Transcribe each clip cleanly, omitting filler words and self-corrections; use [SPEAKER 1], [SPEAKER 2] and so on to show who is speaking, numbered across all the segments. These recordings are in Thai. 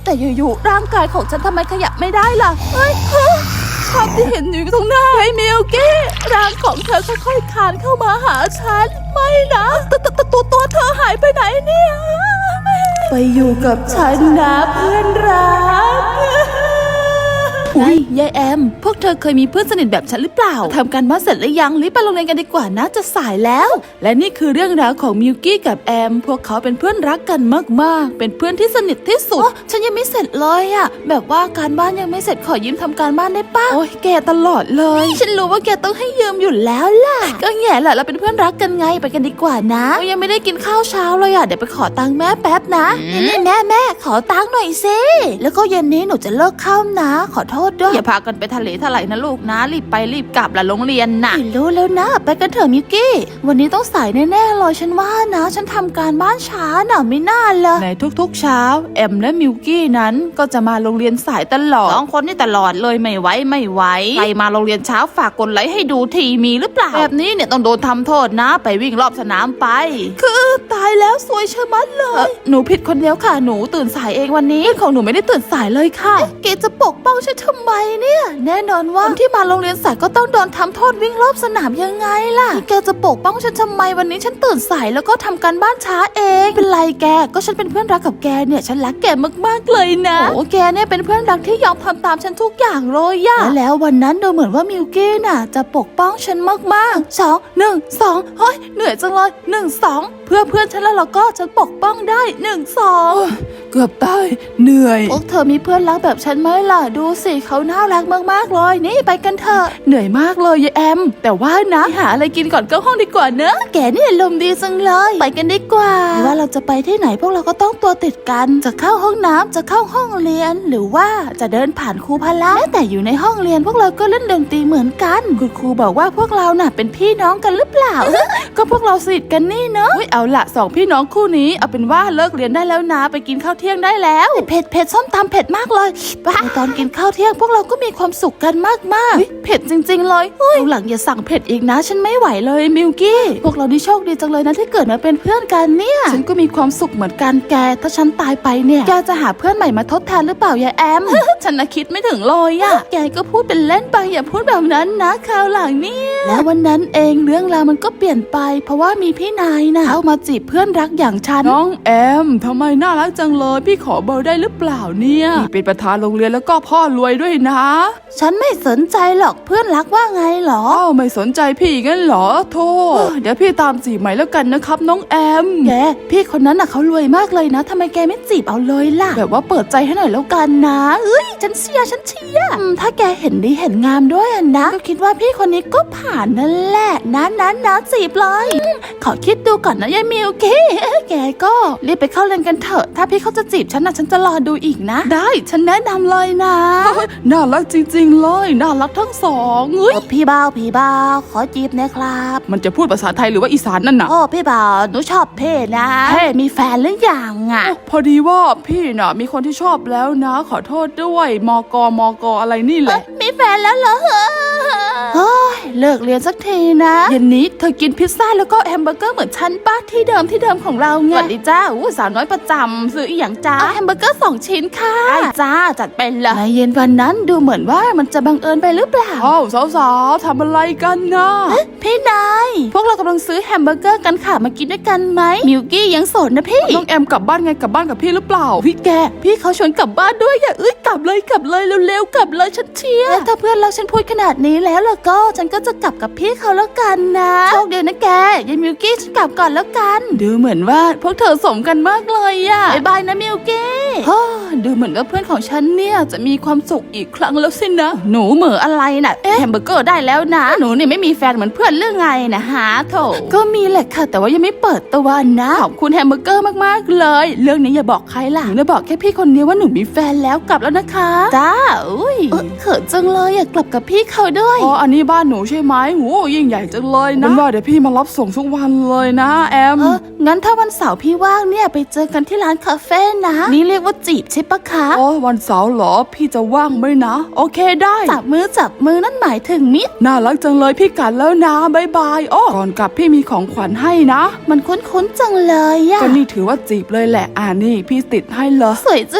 [SPEAKER 1] แต่อยู่ๆร่างกายของฉันทำไมขยับไม่ได้ล่ะเฮ้ยภาพที่เห็นอยู่ตรงหน้าไอ้มิลกี้ร่างของเธอค่อยๆคลานเข้ามาหาฉันไม่นะตัวเธอหายไปไหนเนี่ยไปอยู่กับฉันนะเพื่อนรักอุ้ยยายแอมพวกเธอเคยมีเพื่อนสนิทแบบฉันหรือเปล่าทำการบ้านเสร็จหรือยังรีบไปโรงเรียนกันดีกว่านะจะสายแล้วและนี่คือเรื่องราวของมิลกี้กับแอมพวกเขาเป็นเพื่อนรักกันมากๆเป็นเพื่อนที่สนิทที่สุดฉันยังไม่เสร็จเลยอะแบบว่าการบ้านยังไม่เสร็จขอยืมทำการบ้านได้ป่ะโอ้ยแกตลอดเลยฉันรู้ว่าแกต้องให้ยืมอยู่แล้วล่ะก็แง่แหละเราเป็นเพื่อนรักกันไงไปกันดีกว่านะยังไม่ได้กินข้าวเช้าเลยอะเดี๋ยวไปขอตังค์แม่แป๊บนะนี่แม่ขอตังค์หน่อยสิแล้วก็เย็นนี้หนูจะเลิกข้าวนะขอโทษด้วยอย่าพากันไปทะเลถลายนะลูกนะรีบไปรีบกลับละโรงเรียนนะรู้แล้วนะไปกันเถอะมิวกี้วันนี้ต้องสายแน่ๆเลยฉันว่านะฉันทำการบ้านช้าน่ะไม่น่าเลยในทุกๆเช้าแอมและมิวกี้นั้นก็จะมาโรงเรียนสายตลอด2 คนนี่ตลอดเลยไม่ไหวใครมาโรงเรียนเช้าฝากกดไลค์ให้ดูทีมีหรือเปล่าแบบนี้เนี่ยต้องโดนทำโทษนะไปวิ่งรอบสนามไปคือตายแล้วสวยเชะมัดเลยหนูผิดคนเดียวค่ะหนูตื่นสายเองวันนี้ของหนูไม่ได้ตื่นสายเลยค่ะเกจะปกป้องฉันทำไมเนี่ยแน่นอนว่าคนที่มาโรงเรียนสายก็ต้องโดนทำโทษวิ่งรอบสนามยังไงล่ะแกจะปกป้องฉันทำไมวันนี้ฉันตื่นสายแล้วก็ทำการบ้านช้าเองเป็นไรแกก็ฉันเป็นเพื่อนรักกับแกเนี่ยฉันรักแกมากๆเลยนะโอ้แกเนี่ยเป็นเพื่อนรักที่ยอมทำตามฉันทุกอย่างเลยอะแล้ววันนั้นดูเหมือนว่ามิวกี้น่ะจะปกป้องฉันมากๆ2 1 2เฮ้ยเหนื่อยจังเลย1 2เพื่อนฉันแล้วเราก็จะปกป้องได้1 2เกือบตายเหนื่อยพวกเธอมีเพื่อนรักแบบฉันไหมล่ะดูสิเขาน่ารักมากๆเลยนี่ไปกันเถอะเหนื่อยมากเลยยายแอมแต่ว่านะหาอะไรกินก่อนเข้าห้องดีกว่าเนอะแกนี่ลมดีจังเลยไปกันดีกว่าว่าเราจะไปที่ไหนพวกเราก็ต้องตัวติดกันจะเข้าห้องน้ำจะเข้าห้องเรียนหรือว่าจะเดินผ่านครูพละแต่อยู่ในห้องเรียนพวกเราก็เล่นดนตรีเหมือนกันคุณครูบอกว่าพวกเราน่ะเป็นพี่น้องกันหรือเปล่า ก็พวกเราสนิทกันนี่เนอะเอาละ2 พี่น้องคู่นี้เอาเป็นว่าเลิกเรียนได้แล้วนะไปกินข้าวเที่ยงได้แล้วเผ็ดส้มตำเผ็ดมากเลยตอนกินข้าวเที่ยงพวกเราก็มีความสุขกันมากๆเผ็ดจริงๆเลยหลังอย่าสั่งเผ็ดอีกนะฉันไม่ไหวเลยมิวกี้พวกเรานี่โชคดีจังเลยนะที่เกิดมาเป็นเพื่อนกันเนี่ยฉันก็มีความสุขเหมือนกันแกถ้าฉันตายไปเนี่ยแกจะหาเพื่อนใหม่มาทดแทนหรือเปล่ายายแอม ฉันน่ะคิดไม่ถึงเลยอะแกก็พูดเป็นเล่นไปอย่าพูดแบบนั้นนะคราวหลังเนี่ยแล้ววันนั้นเองเรื่องราวมันก็เปลี่ยนไปเพราะว่ามีพี่นายนะเข้ามาจีบเพื่อนรักอย่างฉันน้องแอมทำไมน่ารักจังเลยพี่ขอเบอร์ได้หรือเปล่าเนี่ยพี่เป็นประธานโรงเรียนแล้วก็พ่อรวยด้วยนะฉันไม่สนใจหรอกเพื่อนรักว่าไงหรอไม่สนใจพี่งั้นหรอโธ่เดี๋ยวพี่ตามจีบใหม่แล้วกันนะครับน้องแอมแกพี่คนนั้นน่ะเขารวยมากเลยนะทำไมแกไม่จีบเอาเลยล่ะแบบว่าเปิดใจให้หน่อยแล้วกันนะฉันเชียร์ถ้าแกเห็นดีเห็นงามด้วยนะก็คิดว่าพี่คนนี้ก็ผ่านนั่นแหละนะจีบเลยขอคิดดูก่อนนะยายมิวกี้แกก็รีบไปเข้าเรียนกันเถอะถ้าพี่เขาจะจีบฉันนะฉันจะรอดูอีกนะได้ฉันแนะนำเลยนะน่ารักจริงๆเลยน่ารักทั้งสองพี่บ่าวขอจีบนะครับมันจะพูดภาษาไทยหรือว่าอีสานนั่นน่ะพี่บ่าวหนูชอบเพ่นะเพ่มีแฟนหรือยังอ่ะพอดีว่าพี่น่ะมีคนที่ชอบแล้วนะขอโทษด้วยมกอะไรนี่แหละมีแฟนแล้วเหรอเฮ้ยเลิกเรียนสักทีนะเย็นนี้เธอกินพิซซ่าแล้วก็แฮมเบอร์เกอร์เหมือนฉันป้าที่เดิมของเราไงสวัสดีจ้าสาวน้อยประจำซื้ออีหยังจ้าแฮมเบอร์เกอร์2 ชิ้นค่ะได้จ้าจัดไปเลยในเย็นวันนั้นดูเหมือนว่ามันจะบังเอิญไปหรือเปล่าสาวๆทำอะไรกันนะพี่นายพวกเรากำลังซื้อแฮมเบอร์เกอร์กันค่ะมากินด้วยกันไหมมิวกี้ยังโสดนะพี่น้องแอมกลับบ้านไงกลับบ้านกับพี่หรือเปล่าพี่แกพี่เขาชวนกลับบ้านด้วยอย่ากลับเลยเร็วๆกลับเลยฉันเชียร์ถ้าเพื่อนเราฉันพูดขนาดนี้แล้วก็ฉันก็จะกลับกับพี่เขาแล้วกันนะโชคดีนะแกยายมิวกี้ฉันกลับก่อนแล้วกันดูเหมือนว่าพวกเธอสมกันมากเลยอะบ๊ายบายนะมิวกี้ดูเหมือนว่าเพื่อนของฉันเนี่ยจะมีความสุขอีกครั้งแล้วสินะหนูเหม่ออะไรน่ะแฮมเบอร์เกอร์ได้แล้วนะหนูนี่ไม่มีแฟนเหมือนเพื่อนเรื่องไงนะฮะโถก็มีแหละค่ะแต่ว่ายังไม่เปิดตัวนะขอบคุณแฮมเบอร์เกอร์มากๆเลยเรื่องนี้อย่าบอกใครล่ะหนูจะบอกแค่พี่คนเดียวว่าหนูมีแฟนแล้วกลับแล้วนะคะจ้าเขินจังเลยอยากกลับกับพี่เขาด้วยอันนี้บ้านหนูใช่ไหมโหยิ่งใหญ่จังเลยนะว่าเดี๋ยวพี่มารับส่งทุกวันเลยนะแอมงั้นถ้าวันเสาร์พี่ว่างเนี่ยไปเจอกันที่ร้านคาเฟ่นะนี่เรียกว่าจีบใช่ปะคะวันเสาร์เหรอพี่จะว่างไหมนะโอเคได้จับมือนั่นหมายถึงมิตรน่ารักจังเลยพี่กันแล้วนะบ๊ายบายก่อนกลับพี่มีของขวัญให้นะมันคุ้นจังเลยอะก็นี่ถือว่าจีบเลยแหละนี่พี่ติดให้เลยสวยจังเลย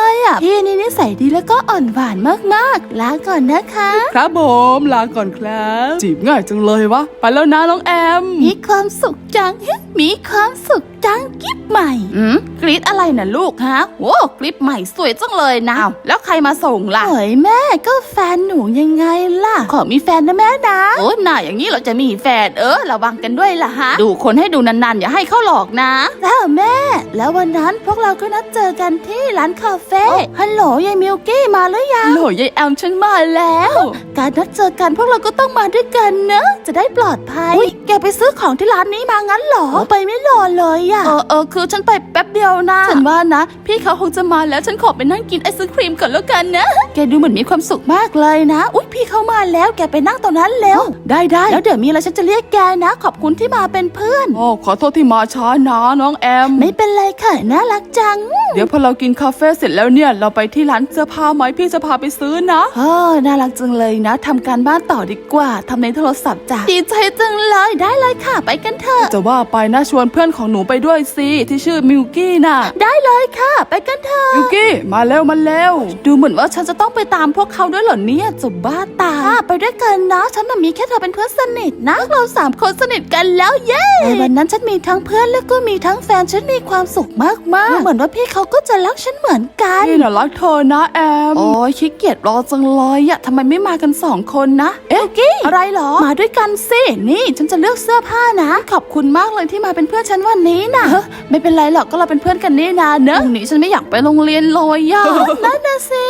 [SPEAKER 1] เลยอ่ะพี่นี่นิสัยดีแล้วก็อ่อนหวานมากๆลาก่อนนะคะ
[SPEAKER 2] ครับผมลาก่อนครับจีบง่ายจังเลยวะไปแล้วนะน้องแอม
[SPEAKER 1] มีความสุขจังมีความสุขจังกิ๊บใหม่กรี๊ดอะไรนะลูกฮะโอ้กรี๊ดใหม่สวยจังเลยนะแล้วใครมาส่งล่ะเฮ้ยแม่ก็แฟนหนูยังไงล่ะขอมีแฟนนะแม่นะโอ้หน่าอย่างนี้เราจะมีแฟนระวังกันด้วยล่ะฮะดูคนให้ดูนานๆอย่าให้เขาหลอกนะแล้วแม่แล้ววันนั้นพวกเราก็นัดเจอกันที่ร้านคาเฟ่ฮัลโหลยายมิลกี้มาหรือยังฮัลโหลยายแอมฉันมาแล้วการนัดเจอกันพวกเราก็ต้องมาด้วยกันเนอะจะได้ปลอดภัยแกไปซื้อของที่ร้านนี้มางั้นเหรอไปไม่รอเลยอะคือฉันไปแป๊บเดียวนะฉันว่านะพี่เขาคงจะมาแล้วฉันขอไปนั่งกินไอศครีมก่อนแล้วกันนะแกดูเหมือนมีความสุขมากเลยนะอุ๊ยพี่เขามาแล้วแกไปนั่งตรงนั้นแล้วได้แล้วเดี๋ยวมีอะไรฉันจะเรียกแกนะขอบคุณที่มาเป็นเพื่อน
[SPEAKER 2] ขอโทษที่มาช้านะน้องแอม
[SPEAKER 1] ไม่เป็นไรค่ะน่ารักจัง
[SPEAKER 2] เดี๋ยวพอเรากินคาเฟ่เสร็จแล้วเนี่ยเราไปที่ร้านเสื้อผ้าไหมพี่จะพาไปซื้อนะ
[SPEAKER 1] น่ารักจังเลยนะทำการบ้านต่อดีกว่าทำในโทรศัพท์จ้ะดีใจจังเลยได้เลยค่ะไปกันเถอะ
[SPEAKER 2] จะว่าไปนะชวนเพื่อนของหนูไปด้วยสิที่ชื่อมิวกี้น่ะ
[SPEAKER 1] ได้เลยค่ะไปกันเถอะ
[SPEAKER 2] มิวกี้มาเร็ว
[SPEAKER 1] ดูเหมือนว่าฉันจะต้องไปตามพวกเขาด้วยเหรอเนี่ยจะบ้าตายไปด้วยกันนะฉันน่ะมีแค่เธอเป็นเพื่อนสนิทนะเรา3 คนสนิทกันแล้วเย้ในวันนั้นฉันมีทั้งเพื่อนแล้วก็มีทั้งแฟนฉันมีความสุขมากๆเหมือนว่าพี่เขาก็จะรักฉันเหมือนกัน
[SPEAKER 2] พี่น่ะรักเธอนะแอม
[SPEAKER 1] โอ้ยขี้เกียจรอจังเลยอะทำไมไม่มากัน2 คนนะกี้อะไรหรอมาด้วยกันสินี่ฉันจะเลือกเสื้อผ้านะขอบคุณมากเลยที่มาเป็นเพื่อนฉันวันนี้นะไม่เป็นไรหรอกก็เราเป็นเพื่อนกันนี่นาเนอะพรุ่งนี้ฉันไม่อยากไปโรงเรียนเลยอะนั่นน่ะสิ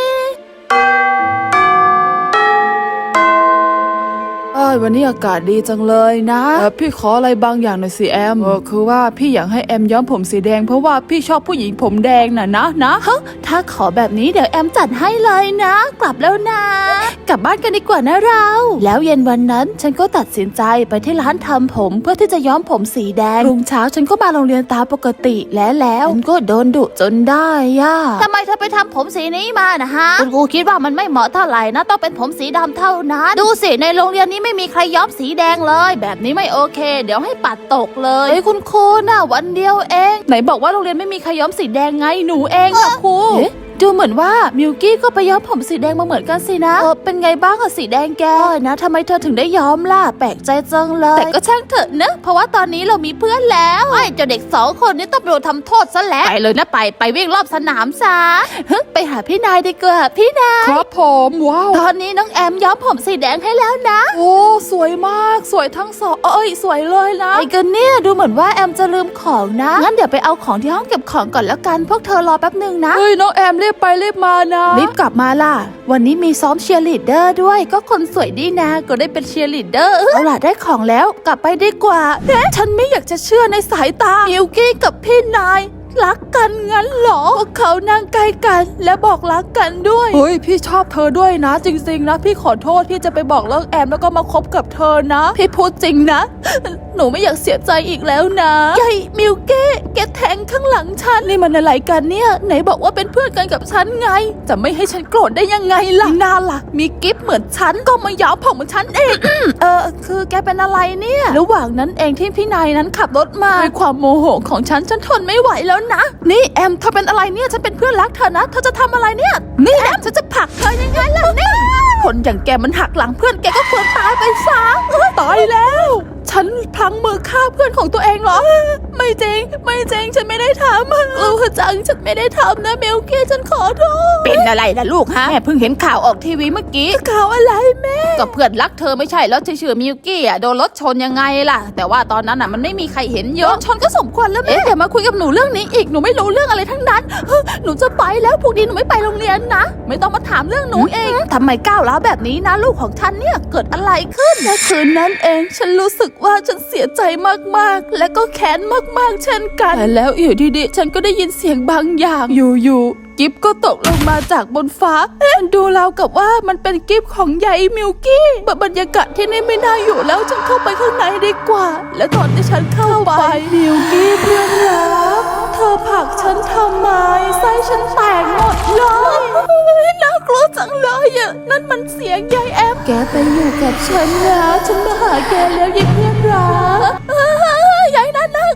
[SPEAKER 2] วันนี้อากาศดีจังเลยนะพี่ขออะไรบางอย่างหน่อยสิแอมคือว่าพี่อยากให้แอมย้อมผมสีแดงเพราะว่าพี่ชอบผู้หญิงผมแดงนะ
[SPEAKER 1] ถ้าขอแบบนี้เดี๋ยวแอมจัดให้เลยนะกลับแล้วนะกลับบ้านกันดีกว่านะเราแล้วเย็นวันนั้นฉันก็ตัดสินใจไปที่ร้านทำผมเพื่อที่จะย้อมผมสีแดงรุ่งเช้าฉันก็มาโรงเรียนตามปกติแล้วฉันก็โดนดุจนได้ย่าทำไมเธอไปทำผมสีนี้มานะฮะคุณครูคิดว่ามันไม่เหมาะเท่าไหร่นะต้องเป็นผมสีดำเท่านั้นดูสิในโรงเรียนนี้ไม่มีใครย้อมสีแดงเลยแบบนี้ไม่โอเคเดี๋ยวให้ปัดตกเลยคุณครูน่ะวันเดียวเองไหนบอกว่าโรงเรียนไม่มีใครย้อมสีแดงไงหนูเองค่ะครูดูเหมือนว่ามิวกี้ก็ไปย้อมผมสีแดงมาเหมือนกันสินะเป็นไงบ้างกับสีแดงแกนะทำไมเธอถึงได้ย้อมล่ะแปลกใจจังเลยแต่ก็ช่างเถอะนะเพราะว่าตอนนี้เรามีเพื่อนแล้วไอ้เจ้าเด็ก2 คนนี้ต้องโดนทำโทษซะแล้วไปเลยนะไปวิ่งรอบสนามซะไปหาพี่นายดีกว่าพี่นาย
[SPEAKER 2] ครับผมว้าว
[SPEAKER 1] ตอนนี้น้องแอมย้อมผมสีแดงให้แล้วนะ
[SPEAKER 2] โอ้สวยมากสวยทั้งสองสวยเลยนะ
[SPEAKER 1] ไอ้กันเนี่ยดูเหมือนว่าแอมจะลืมของนะงั้นเดี๋ยวไปเอาของที่ห้องเก็บของก่อนแล้วกันพวกเธอรอแป๊บนึงนะ
[SPEAKER 2] เฮ้ยน้องแอมรีบไปรีบมา
[SPEAKER 1] รีบกลับมาล่ะวันนี้มีซ้อมเชียร์ลีดเดอร์ด้วยก็คนสวยดีนะก็ได้เป็นเชียร์ลีดเดอร์เอาล่ะได้ของแล้วกลับไปดีกว่าฉันไม่อยากจะเชื่อในสายตามิวกี้กับพี่นายรักกันงั้นหรอพวกเขานั่งใกล้กันและบอกรักกันด้วย
[SPEAKER 2] เฮ้ยพี่ชอบเธอด้วยนะจริงๆนะพี่ขอโทษที่จะไปบอกเลิกแอมแล้วก็มาคบกับเธอนะ
[SPEAKER 1] พี่พูดจริงนะหนูไม่อยากเสียใจอีกแล้วนะยายมิวกี้แกแทงข้างหลังฉันนี่มันอะไรกันเนี่ยไหนบอกว่าเป็นเพื่อนกันกับฉันไงจะไม่ให้ฉันโกรธได้ยังไงล่ะน่าล่ะมีกิฟต์เหมือนฉันก็มาย้อมผมเหมือนฉันเองคือแกเป็นอะไรเนี่ยระหว่างนั้นเองที่พี่นายนั้นขับรถมาด้วยความโมโหของฉันทนไม่ไหวแล้วนะนี่แอมเธอเป็นอะไรเนี่ยฉันเป็นเพื่อนรักเธอนะเธอจะทำอะไรเนี่ยนี่แอมฉันจะผลักเธอยังไงล่ะนี่คนอย่างแกมันหักหลังเพื่อนแกก็ควรตายไปซะ
[SPEAKER 2] ตายแล้ว
[SPEAKER 1] ฉันพลั้งมือฆ่าเพื่อนของตัวเองเหรอไม่จริงฉันไม่ได้ทำกลัวจังฉันไม่ได้ทำนะเมลกี้ฉันขอโทษเป็นอะไรล่ะลูกฮะแม่เพิ่งเห็นข่าวออกทีวีเมื่อกี้ข่าวอะไรแม่ก็เพื่อนรักเธอไม่ใช่แล้วชื่อมิวกี้โดนรถชนยังไงล่ะแต่ว่าตอนนั้นมันไม่มีใครเห็นเยอะชนก็สมควรแล้วแม่อย่ามาคุยกับหนูเรื่องนี้อีกหนูไม่รู้เรื่องอะไรทั้งนั้นหนูจะไปแล้วพรุ่งนี้หนูไม่ไปโรงเรียนนะไม่ต้องมาถามเรื่องหนูเองทำไมก้าวร้าวแบบนี้นะลูกของฉันเนี่ยเกิดอะไรขึ้นในคืนนั้นเองฉันรู้สึกว่าฉันเสียใจมากๆและก็แค้นมากๆเช่นกันแต่แล้วอยู่ดีๆฉันก็ได้ยินเสียงบางอย่างอยู่กิฟก็ตกลงมาจากบนฟ้าดูราวกับว่ามันเป็นกิฟของยายมิวกี้บรรยากาศที่นี่ไม่น่าอยู่แล้วฉันเข้าไปข้างในดีกว่าและตอนที่ฉันเข้าไปมิวกี้เพื่อนรักเธอผลักฉันทำไมไส้ฉันแตกหมดเลยน่ากลัวจังเลยอ่ะนั่นมันเสียงยายแอมแกไปอยู่กับฉันนะฉันมาหาแกแล้วยายเพื่อนรักยายน่าก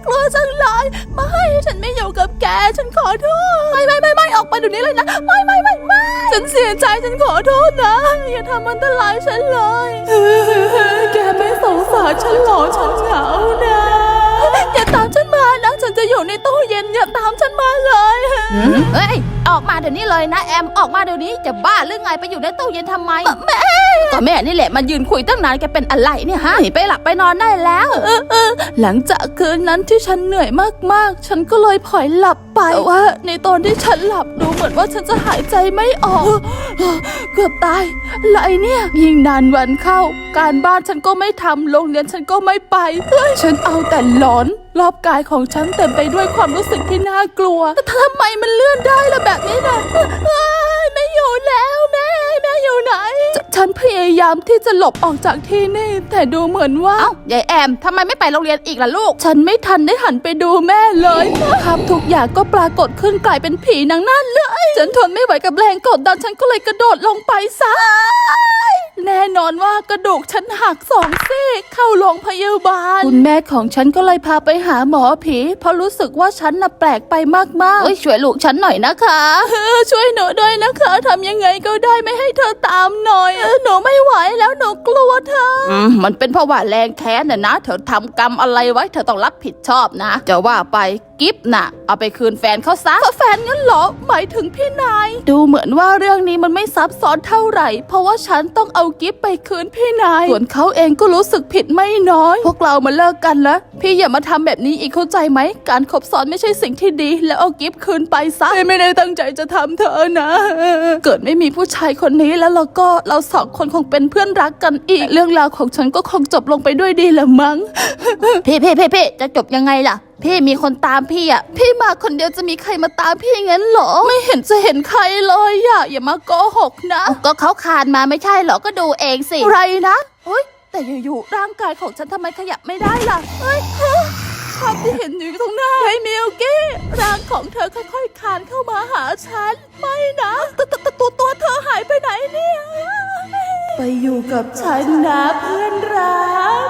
[SPEAKER 1] ากลัวจังเลยไม่ฉันไม่อยู่กับแกฉันขอโทษไม่ออกไปเดี๋ยวนี้เลยนะไม่ฉันเสียใจฉันขอโทษนะอย่าทำอันตรายฉันเลยแกไม่สงสารฉันหรอฉันเหงานะอย่าตามฉันมานะฉันจะอยู่ในตู้เย็นอย่าตามฉันมาเลยเฮ้ยออกมาเดี๋ยวนี้เลยนะแอมออกมาเดี๋ยวนี้จะบ้าหรือไงไปอยู่ในตู้เย็นทำไมแม่ก็แม่นี่แหละมายืนคุยตั้งนานแกเป็นอะไรเนี่ยฮะไปหลับไปนอนได้แล้วหลังจากคืนนั้นที่ฉันเหนื่อยมากๆฉันก็เลยผลอยหลับไปแต่ว่าในตอนที่ฉันหลับดูเหมือนว่าฉันจะหายใจไม่ออกเกือบตายอะไรเนี่ยยิ่งนานวันเข้าการบ้านฉันก็ไม่ทำโรงเรียนฉันก็ไม่ไปฉันเอาแต่หลอนรอบกายของฉันเต็มไปด้วยความรู้สึกที่น่ากลัวแต่ทำไมมันเลื่อนได้ล่ะแบบนี้นะไม่อยู่แล้วแม่อยู่ไหนฉันพยายามที่จะหลบออกจากที่นี่แต่ดูเหมือนว่าเอ้ายายแอมทำไมไม่ไปโรงเรียนอีกล่ะลูกฉันไม่ทันได้หันไปดูแม่เลยครับทุกอย่างก็ปรากฏขึ้นกลายเป็นผีนางนั่นเลยฉันทนไม่ไหวกับแรงกดดันฉันก็เลยกระโดดลงไปซะแน่นอนว่ากระดูกฉันหัก2 ซี่เข้าโรงพยาบาลคุณแม่ของฉันก็เลยพาไปหาหมอผีเพราะรู้สึกว่าฉันน่ะแปลกไปมากๆช่วยลูกฉันหน่อยนะคะช่วยหนูด้วยนะคะทำยังไงก็ได้ไม่ให้เธอตามหน่อยหนูไม่ไหวแล้วหนูกลัวเธอมันเป็นเพราะว่าแรงแค้นน่ะนะเธอทำกรรมอะไรไว้เธอต้องรับผิดชอบนะจะว่าไปกิฟต์น่ะเอาไปคืนแฟนเขาซะแฟนงั้นเหรอหมายถึงพี่นายดูเหมือนว่าเรื่องนี้มันไม่ซับซ้อนเท่าไหร่เพราะว่าฉันต้องเอากิฟต์ไปคืนพี่นายส่วนเขาเองก็รู้สึกผิดไม่น้อยพวกเรามาเลิกกันแล้วพี่อย่ามาทำแบบนี้อีกเข้าใจไหมการคบซ้อนไม่ใช่สิ่งที่ดีแล้วเอากิฟต์คืนไปซะไม่ได้ตั้งใจจะทำเธอนะเกิดไม่มีผู้ชายคนนี้แล้วเรา2 คนคงเป็นเพื่อนรักกันอีกเรื่องราวของฉันก็คงจบลงไปด้วยดีละมั้งพี่จะจบยังไงล่ะพี่มีคนตามพี่อ่ะพี่มาคนเดียวจะมีใครมาตามพี่งั้นเหรอไม่เห็นจะเห็นใครเลยอ่ะอย่ามาโกหกนะก็เขาคานมาไม่ใช่เหรอก็ดูเองสิไรนะเฮ้ยแต่อยู่ๆร่างกายของฉันทำไมขยับไม่ได้ล่ะเฮ้ยภาพที่เห็นอยู่ตรงหน้าไอ้มิลกี้ร่างของเธอค่อยๆคานเข้ามาหาฉันไม่นะตัวเธอหายไปไหนเนี่ยไปอยู่กับฉันนะเพื่อนรัก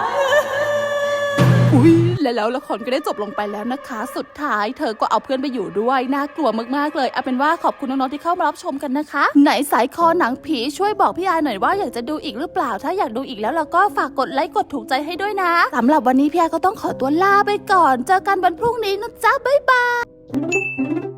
[SPEAKER 1] แล้วละครก็ได้จบลงไปแล้วนะคะสุดท้ายเธอก็เอาเพื่อนไปอยู่ด้วยน่ากลัวมากๆเลยเอาเป็นว่าขอบคุณน้องๆที่เข้ามารับชมกันนะคะไหนสายคอหนังผีช่วยบอกพี่อาหน่อยว่าอยากจะดูอีกหรือเปล่าถ้าอยากดูอีกแล้วเราก็ฝากกดไลค์กดถูกใจให้ด้วยนะสำหรับวันนี้พี่อาก็ต้องขอตัวลาไปก่อนเจอกันวันพรุ่งนี้นะจ๊ะบ๊ายบาย